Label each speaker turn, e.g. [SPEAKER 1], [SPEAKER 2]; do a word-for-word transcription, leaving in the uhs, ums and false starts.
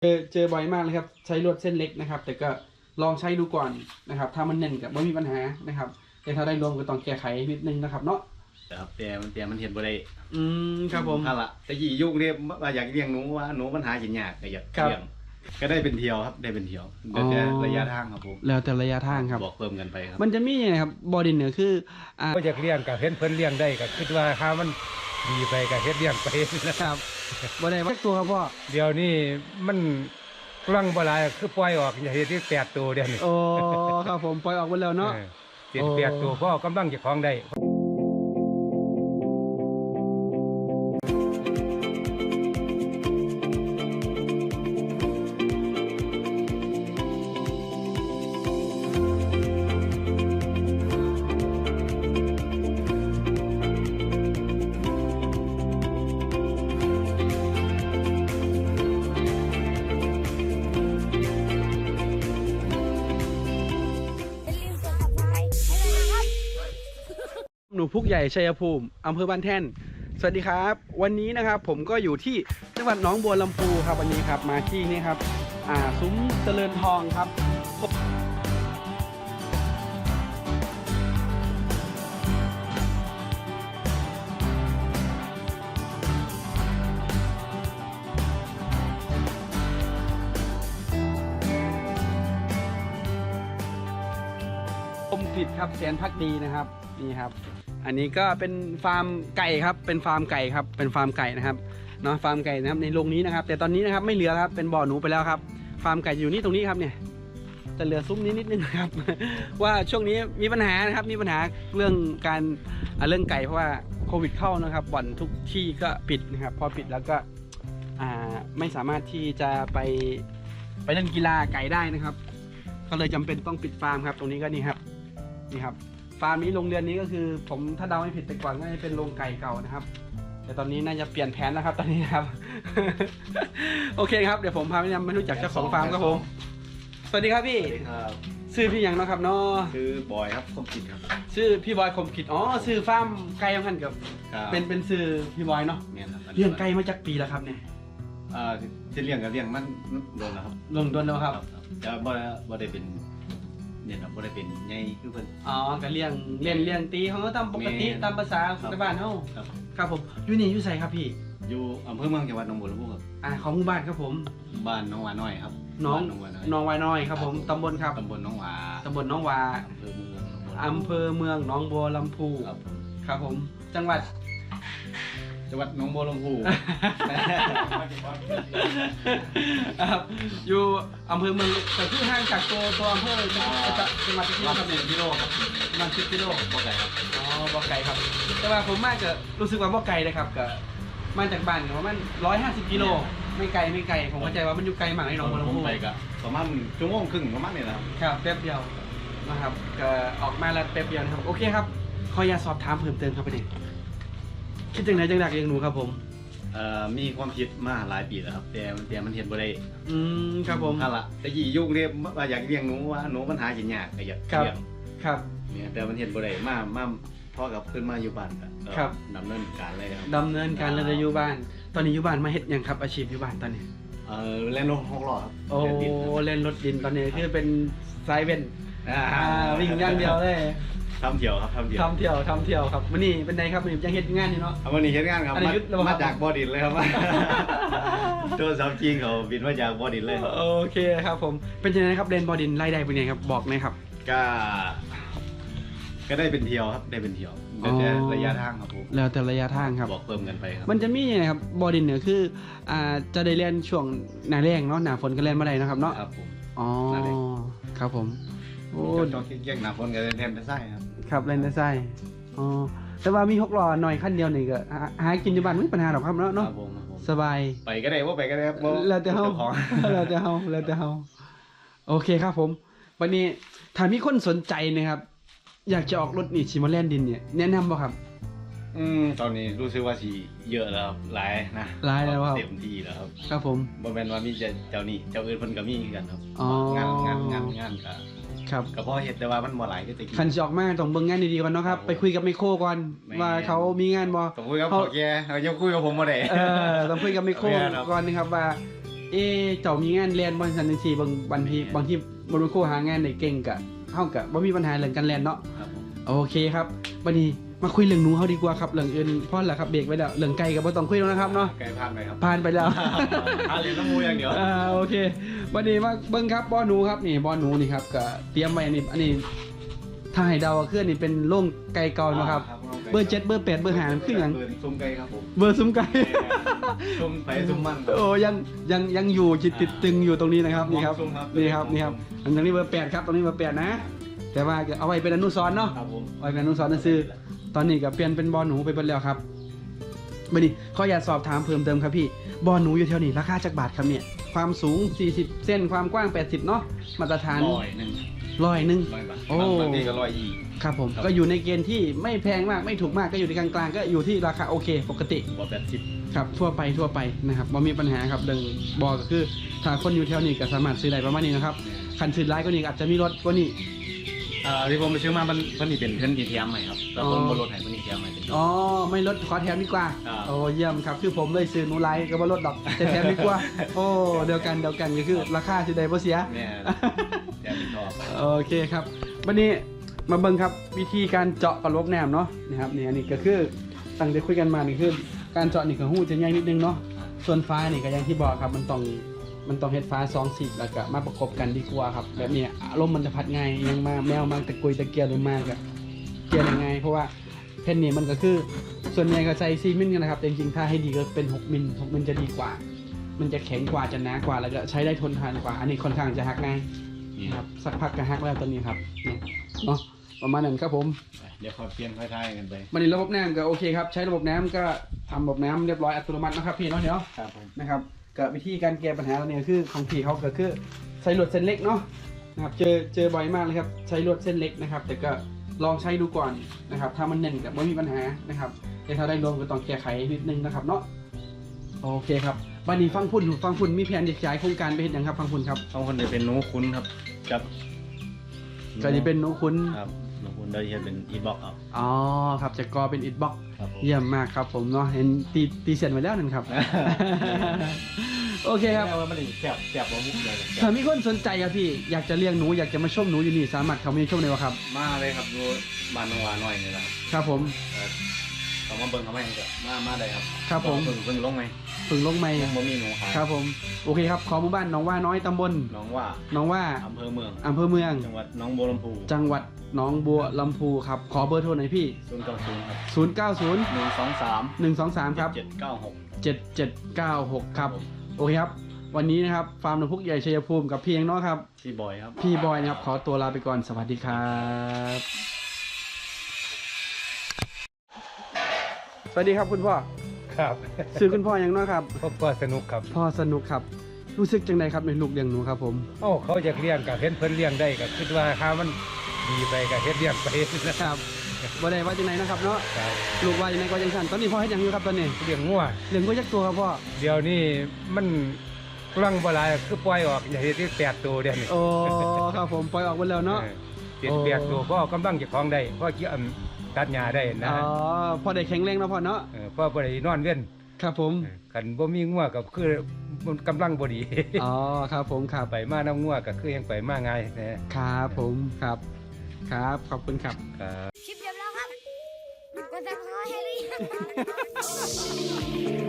[SPEAKER 1] เจอเจอบ่อยมากเลยครับใช้ลวดเส้นเล็กนะครับแต่ก็ลองใช้ดูก่อนนะครับถ้ามันแน่นก็ไม่มีปัญหานะครับแต่ถ้าได้รวมก็ต้องแก้ไขนิดนึงนะครับเนาะ
[SPEAKER 2] ครับแต่มันแต่มันเห็นบ่ได้
[SPEAKER 1] อืมครับผม
[SPEAKER 2] ถ้าละแต่ยี่ยุคนี้ว่าอยากเลี้ยงหนูว่าหนูปัญหาหินยากก็อยากเลี้ยงก็ได้เป็นเที่ยวครับได้เป็นเที่ยวเดี๋ยวจะระยะทางครับผม
[SPEAKER 1] แล้วแต่ระยะทางครับ
[SPEAKER 2] บอกเพิ่มกันไปครับ
[SPEAKER 1] มันจะมีนะครับบอดินเนี่ยคืออ่า
[SPEAKER 3] ก็อยากเลี้ยงกับเห็นเพิ่นเลี้ยงได้ก็คิดว่าถ้ามันดีไปก็เฮ็ดเลี้ยงไป
[SPEAKER 1] นะครับบ่ได้วักตัวครับพ่อ
[SPEAKER 3] เดี๋ยวนี้มันกำลังบ่หลายคือปล่อยออกอย่าเฮ็ดที่แปดตัวเดี๋ยวนี้
[SPEAKER 1] โอ้ครับผมปล่อยออกไปแล้วเนาะ
[SPEAKER 3] เป็นแปดตัวพ่อกำลังจะคล้องได้
[SPEAKER 1] หนูพุกใหญ่ชัยภูมิอำเภอบ้านแท่นสวัสดีครับวันนี้นะครับผมก็อยู่ที่จังหวัดหนองบัวลำพูครับวันนี้ครับมาที่นี่ครับอ่าซุ้มเจริญทองครับผมผิดครับแสนพักดีนะครับนี่ครับอันนี้ก็เป็นฟาร์มไก่ครับเป็นฟาร์มไก่ครับเป็นฟาร์มไก่นะครับเนาะฟาร์มไก่นะครับในโรงนี้นะครับแต่ตอนนี้นะครับไม่เหลือครับเป็นบ่อหนูไปแล้วครับฟาร์มไก่อยู่นี่ตรงนี้ครับเนี่ยจะเหลือซุ้มนี้นิดนึงครับ ว่าช่วงนี้มีปัญหานะครับมีปัญหาเรื่องการเรื่องไก่เพราะว่าโควิดเข้านะครับบ่อนทุกที่ก็ปิดนะครับพอปิดแล้วก็อ่าไม่สามารถที่จะไปไปเล่นกีฬาไก่ได้นะครับก็เลยจำเป็นต้องปิดฟาร์มครับตรงนี้ก็นี่ครับนี่ครับฟาร์มนี้โรงเรือนนี้ก็คือผมถ้าเดาไม่ผิดแต่ก่อนก็จะเป็นโรงไก่เก่านะครับแต่ตอนนี้น่าจะเปลี่ยนแผนแล้วครับตอนนี้นะครับ โอเคครับเดี๋ยวผมพาไปนำมารู้จักเจ้าของฟาร์มครับผมสวัสดีครับพี่
[SPEAKER 2] สวัสดีครับ
[SPEAKER 1] ชื่อพี่ยังเนาะครับเนาะ
[SPEAKER 2] ชื่อบอยครับคมกินครับ
[SPEAKER 1] ชื่อพี่บอยคมกิจอ๋อชื่อฟาร์มไก่ของท่านกับเป็นเป็นชื่อพี่บอยเนาะเลี้ยงไก่มาจากปีแล้วครับเนี่ย
[SPEAKER 2] อ่าจะเลี้ยงกับเลี้ยงมันโดนแล้วครับ
[SPEAKER 1] ลงโดนแล้วครับ
[SPEAKER 2] จะบ่บ่ได้เป็นเนี่ยครับบ่ได้เป็นใหญ่คือเพิ่น
[SPEAKER 1] อ๋อก็เลี้ยงเลี้ยงเลี้ยงตีเขาก็ตามปกติตามภาษาในบ้านเฮา
[SPEAKER 2] ครับ
[SPEAKER 1] ครับผมอยู่นี่อยู่ไสครับพี่
[SPEAKER 2] อยู่อำเภอเมืองจังหวัดหนองบัวลำพูครับ
[SPEAKER 1] อ่าของหมู่บ้านครับผม
[SPEAKER 2] บ้านน้องหวาน้อยครับ
[SPEAKER 1] น้องน้องวายน้อยครับผมตำบลครับ
[SPEAKER 2] ตำบลน้องหวา
[SPEAKER 1] ตำบลน้องวาอำเภอเมืองหนองบัวลำพู
[SPEAKER 2] ครับผม
[SPEAKER 1] ครับผมจังหวัด
[SPEAKER 2] จังหวัดหนองบัวลำพู
[SPEAKER 1] ครับอยู่อำเภอเมืองแต่ที่ห่างจากตัวตัวอำเภอจังหวัดที่เรา
[SPEAKER 2] สิบกิโลครับ
[SPEAKER 1] ประมาณสิบกิโล
[SPEAKER 2] บ่ไกลครับ
[SPEAKER 1] อ๋อบ่ไกลครับแต่ว่าผมมากจะรู้สึกว่าบ่ไกลเลยครับก็มาจากบ้านประมาณร้อยห้าสิบกิโลไม่ไกลไม่ไกลผมเข้าใจว่ามันอยู่ไกลมากในหนองบัวลำพู
[SPEAKER 2] ไปก็ประมาณชั่วโมงครึ่งประมาณนี้นะครับ
[SPEAKER 1] ครับแป๊บเดียวนะครับก็ออกมาแล้วแป๊บเดียวนะครับโอเคครับขออยากสอบถามเพิ่มเติมครับประเด็นคิดจังไหนจังดักเลี้ยงหนูครับผม
[SPEAKER 2] เอ่อมีความคิดมาหลายปีแล้วครับแต่แต่มันเห็นบ่ได้
[SPEAKER 1] อืมครับผม
[SPEAKER 2] ถ้าละแต่ยี่ยุคนี้ว่าอยากเลี้ยงหนูว่าหนูปัญหาหินยากก็อยากเลี้ยง
[SPEAKER 1] ครับ
[SPEAKER 2] เนี่ยแต่มันเห็นบ่ได้มามาพ่อกับขึ้นมาอยู่บ้านก็ดำเนินการเลยครับ
[SPEAKER 1] ดำเนินการเลยอยู่บ้านตอนนี้อยู่บ้านมาเฮ็ดยังครับอาชีพอยู่บ้านตอนนี้
[SPEAKER 2] เออเล่นรถหกล้อครับ
[SPEAKER 1] โอ้เล่นรถดินตอนนี้คือเป็นไซเว่นอ่าวิ่งอย่างเดียวเลย
[SPEAKER 2] ทำเที่ยวครับทำเที่ยว
[SPEAKER 1] ทำเที่ยวทำเที่ยวครับวันนี้เป็นไงครับวันนี้ยังเฮ็ดงานอยู่เนาะ
[SPEAKER 2] วันนี้เฮ็ดงานครับมาจากบ่อดินเลยครับตัวสาวจริงเขาบินมาจากบ่อดินเลย
[SPEAKER 1] โอเคครับผมเป็นยังไงครับเล่นบ่อดินรายได้เป็นไงครับบอกหน่อยครับ
[SPEAKER 2] ก็ก็ได้เป็นเที่ยวครับได้เป็นเที่ยวแล้วแต่ระยะทางครับผม
[SPEAKER 1] แล้วแต่ระยะทางครับ
[SPEAKER 2] บอกเพิ่มกันไปครับ
[SPEAKER 1] มันจะมีนะครับบ่อดินเนี่ยคืออ่าจะได้เล่นช่วงหน้าแล้งเนาะหน้าฝนก็เล่นมาได้นะครับเนาะ
[SPEAKER 2] ครับผม
[SPEAKER 1] อ๋อครับผม
[SPEAKER 2] โอ้จอดเกี่ยงหน้าฝนก็เล่นแทนได้ไส้ครับ
[SPEAKER 1] ครับเล่นได้ไส้อ๋อแต่ว่ามีหกล้อหน่อยขั้นเดียวนี่ก็หากินอยู่บ้านไม่มีปัญหาหรอกครับเนาะเนาะสบาย
[SPEAKER 2] ไปก็ได้ว่าไปก็ได้ครับ
[SPEAKER 1] แล้วแต่เฮาแล้วแต่เฮาแล้วแต่เฮาโอเคครับผมวันนี้ถ้ามีคนสนใจนะครับอยากจะออกรถนี่ชิมาแลนดินเนี่ยแนะนำบ่ครับ
[SPEAKER 2] อืมตอนนี้รู้สึกว่าสีเยอะแล้วหลายนะ
[SPEAKER 1] หลายแล้วครับ
[SPEAKER 2] เต็มที่แล้วครับ
[SPEAKER 1] ครับผม
[SPEAKER 2] บ่แม่นว่ามีเจ้านี่เจ้าอื่นเพิ่นก็มีกันครับงานงานงานงานก็
[SPEAKER 1] ครับ
[SPEAKER 2] ก็พอเฮ็ดแต่ว่ามันบ่หลายคือแต่
[SPEAKER 1] คันสิออกมาต้องเบิ่งงานดีๆก่อนเนาะครับไปคุยกับไมโครก่อนว่าเขามีงานบ่
[SPEAKER 2] ต้องคุยกับพ่อแกเขาจะคุยกับผมบ่ได้
[SPEAKER 1] เออต้องคุยกับไมโครก่อนนะครับว่าเอะเจ้ามีงานเรียนบริษัทจังซี่บางบางทีบางทีบ่รู้ครูหางานได้เก่งก็เฮาก็บ่มีปัญหาเรื่องการเรียนเนาะ
[SPEAKER 2] ครับผม
[SPEAKER 1] โอเคครับวันนี้มาคุยเรื่องหนูเฮาดีกว่าครับเรื่องอื่นพอแล้วครับเบรกไว้แล้วเรื่องไก่ก็บ่ต้องคุยแล้วนะครับเนาะ
[SPEAKER 2] ไกลผ่านไปครับ
[SPEAKER 1] ผ่านไปแล้ว
[SPEAKER 2] ผ่านเลยน้ำมูอย่างเดียว
[SPEAKER 1] อ่าโอเควันนี้มาเบิ้งครับบ่อหนูครับนี่บ่อหนูนี่ครับก็เตรียมไว้นี่อันนี้ถ้าให้เดาก็คืออันนี่เป็นโล่งไก่เก่านะครับ เบอร์เจ็ดเบอร์แปดเบอร์ห้ามันคือหยัง
[SPEAKER 2] เบอร์ซุ้มไก่ครับผม
[SPEAKER 1] เบอร์ซุ้มไก่
[SPEAKER 2] ซุ้มไปซุ้มมัน
[SPEAKER 1] โอ้ยังยังยังอยู่จิตติดตึงอยู่ตรงนี้นะครับนี่ครับ
[SPEAKER 2] ซุ้มครับ
[SPEAKER 1] นี่ครับนี่ครับอันนี้เบอร์แปดครับตรงนี้เบอร์แปดนะ แต่ว่าเอาไว้เป็นอนุสรณ์เนาะ
[SPEAKER 2] ครับผม
[SPEAKER 1] เอาไว้เป็นอนุสรณ์ซื่อตอนนี้ก็เปลี่ยนเป็นบ่อหนูไปเบิดแล้วครับวันนี้ขออยากสอบถามเพิ่มเติมครับพี่บ่อหนูอยู่แถวนี้ราคาจักบาทครับเนี่ยความสูงสี่สิบเซนความกว้างแปดสิบเนาะมาตรฐาน
[SPEAKER 2] ร้อยหนึ่ง
[SPEAKER 1] ร้อยหนึ่ง
[SPEAKER 2] ร้อยบาท
[SPEAKER 1] โอ้
[SPEAKER 2] บางบางทีก็ร้อยยี่
[SPEAKER 1] ครับผม
[SPEAKER 2] ครับ
[SPEAKER 1] ก็อยู่ในเกณฑ์ที่ไม่แพงมากไม่ถูกมากก็อยู่ในกลางๆก็อยู่ที่ราคาโอเคปกติ
[SPEAKER 2] บอแปดสิบ
[SPEAKER 1] ครับทั่วไปทั่วไปนะครับบ่มีปัญหาครับเรื่องบอก็คือถ้าคนอยู่แถวนี้ก็สามารถซื้อได้ประมาณนี้นะครับคันซื้อร้ายก็นี่อาจจะมีรถก็นี่
[SPEAKER 2] อ่าที่ผมไปซื้อมามันมันนี่เป็นเพื่อนดีเทียมใหม่ครับแต่ผม
[SPEAKER 1] อ๋อ
[SPEAKER 2] บนรถไหนมันดีเทียมใหม่เป็น
[SPEAKER 1] อ๋อไม่ลดขอแถมดีกว่า
[SPEAKER 2] อ่า
[SPEAKER 1] โอ้เยี่ยมครับคือผมเลยซื้อหนูไลท์ก็บ่ลดดอกแต่แถมดีกว่าโอ้เดียวกันเดียวกันก็คือราคาสิได้บ่เสีย
[SPEAKER 2] เนี่ยแถมเป็นทอบ
[SPEAKER 1] โอเคครับวันนี้มาเบิ่งครับวิธีการเจาะกระโหลกแหนมเนาะนะครับนี่อันนี้ก็คือตั้งแต่คุยกันมานี่คือการเจาะนี่ก็หูจะง่ายนิดนึงเนาะส่วนฟ้านี่ก็อย่างที่บอกครับมันต้องมันต้องเฮ็ดฟ้าสองสีแล้วก็มาประกบกันดีกว่าครับแบบนี้อารมณ์มันจะพัดง่ายยังมาแมวมาตะกุยตะเกียบเลยมากอะเกียร์ยังไงเพราะว่าแผ่นนี้มันก็คือส่วนใหญ่ก็ใช้สี่มิลกันนะครับแต่จริงๆถ้าให้ดีก็เป็นหกมิลหกมิลจะดีกว่า มันจะแข็งกว่าจะหนากว่าแล้วก็ใช้ได้ทนทานกว่า อันนี้ค่อนข้างจะหักง่าย
[SPEAKER 2] นี่
[SPEAKER 1] นะ
[SPEAKER 2] ค
[SPEAKER 1] ค
[SPEAKER 2] รั
[SPEAKER 1] รั
[SPEAKER 2] บบ
[SPEAKER 1] สักพักก็ฮักแล้วตัวนี้ครับนี่เนาะประมาณนั้นครับผม
[SPEAKER 2] เดี๋ยวคอยเปลี่ยนค่อยทายกันไป
[SPEAKER 1] มันนี้ระบบน้ำก็โอเคครับใช้ระบบน้ำก็ทำระบบน้ำเรียบร้อยอัตโนมัตินะครับพี่เนาะเดี๋ยว
[SPEAKER 2] ครับผม
[SPEAKER 1] นะครับกับวิธีการแก้ปัญหาตัวนี้ก็คือของพี่เขาก็คือใช้ลวดเส้นเล็กเนาะนะครับเจอเจอบ่อยมากเลยครับใช้ลวดเส้นเล็กนะครับแต่ก็ลองใช้ดูก่อนนะครับถ้ามันแน่นกับไม่มีปัญหานะครับแต่ถ้าได้รวมก็ต้องแก้ไขนิดนึงนะครับเนาะโอเคครับวันนี้ฟังพุ่นฟังพุ่นมีแผนจะขยายโครงการไปเห็นยังครับฟังพุ่นครับ
[SPEAKER 2] ต้องคนเดียวเป็นหนูคุ้นครับกับ
[SPEAKER 1] ก็จะเป็นหนูคุ้น
[SPEAKER 2] ครับหนูคุ้นได้จะเป็นอีบ็อกครับ
[SPEAKER 1] อ๋อครับจะกอเป็นอิฐบล็อก
[SPEAKER 2] ครับผม
[SPEAKER 1] เยี่ยมมากครับผมเนาะเห็นตีตีเสร็จไว้แล้วนั่นครับ โอเคครับ
[SPEAKER 2] แม่ว่ามันแสบแสบว่ามุกเลย
[SPEAKER 1] ถ้ามีคนสนใจครับพี่อยากจะเลี้ยงหนูอยากจะมาชมหนูอยู่นี่สามารถเข้ามาชมได้วะครับ
[SPEAKER 2] มาเลยครับดูบ้านนองวาหน่อยนี่แหละครับ
[SPEAKER 1] ครับผม
[SPEAKER 2] เอ่อเขามาเบิ่งเขาไม่ให้ก็มามาได้ครับ
[SPEAKER 1] ครับผม
[SPEAKER 2] เพิ่งเพิ่งลงไหม
[SPEAKER 1] ฝึงลงไม่
[SPEAKER 2] ยังบ่มีหนูขาย
[SPEAKER 1] ครับผมโอเคครับขอหมู่บ้านหนองว่าน้อยตำบล
[SPEAKER 2] น้องว่า
[SPEAKER 1] หนองว่า
[SPEAKER 2] อำเภอเมือง
[SPEAKER 1] อำเภอเมือง
[SPEAKER 2] จังหวัดหน้องบัวลำพู
[SPEAKER 1] จังหวัดหนองบัวลำพูครับขอเบอร์โทรหน่อยพี่
[SPEAKER 2] ศูนย์เก้าศูนย์ครับ
[SPEAKER 1] ศูนย์ เก้า ศูนย์
[SPEAKER 2] หนึ่งสองสาม
[SPEAKER 1] หนึ่ง สอง สามครับ
[SPEAKER 2] เจ็ดเก้าหก
[SPEAKER 1] เจ็ด เจ็ด เก้า หกครับโอเคครับวันนี้นะครับฟาร์มหนูพุกใหญ่ชัยภูมิกับพี่เองเนาะครับ
[SPEAKER 2] พี่บอยครับ
[SPEAKER 1] พี่บอยนะครับขอตัวลาไปก่อนสวัสดีครับสวัสดีครับคุณพ่อ
[SPEAKER 3] ครับ
[SPEAKER 1] ซื้อคุณพ่อยังเนาะครับ
[SPEAKER 3] พบว่าสนุกครับ
[SPEAKER 1] พ่อสนุกครับ รู้สึกจังไดครับในลูกเลี้ยงหนูครับผม
[SPEAKER 3] เอ้าเขาอยากเลี้ยงก็เห็นเพิ่นเลี้ยงได้ก็คิดว่าถ้ามันดีไปก็เฮ็ดเลี้ยงไปนะครับ
[SPEAKER 1] บ่ได้ว่าจังไดนะครับเนาะ
[SPEAKER 3] ครับ
[SPEAKER 1] ลูกว่าจังไดก็จังซั่นตอนนี้พ่อเฮ็ดหยังอยู่ครับตอนนี้
[SPEAKER 3] เลี้ยงงัว
[SPEAKER 1] เลี้ยงก็ยักตัวครับพ่อ
[SPEAKER 3] เดี๋ยวนี้มันกำลังบ่หลายคือปล่อยออกอย่าเฮ็ดที่แปดตัวเดี๋ยวนี้
[SPEAKER 1] โอ้ครับผมปล่อยออกหมดแล้วเนาะ
[SPEAKER 3] ออเจ็ดแปดตัวพ่อกำลังเก็บของได้พ่อเกี่ยวตัดหญ้าได้นะ
[SPEAKER 1] อ๋อพอได้แข็งแรงแล้วพ่อเนาะ
[SPEAKER 3] เออพ่อบ่ได้นอนเว้น
[SPEAKER 1] ครับผม
[SPEAKER 3] เออคันบ่มีงัวก็คือมันกำลังบ่ดี
[SPEAKER 1] อ๋อครับผมครับ
[SPEAKER 3] ไปมาน้ำงัวก็คือยังไปมาง่ายนะครับ
[SPEAKER 1] ผมครับ ครับขอบคุณครับ
[SPEAKER 3] ครับ
[SPEAKER 4] คลิปเรียบร้อยครับกดติดตามให้หรือยัง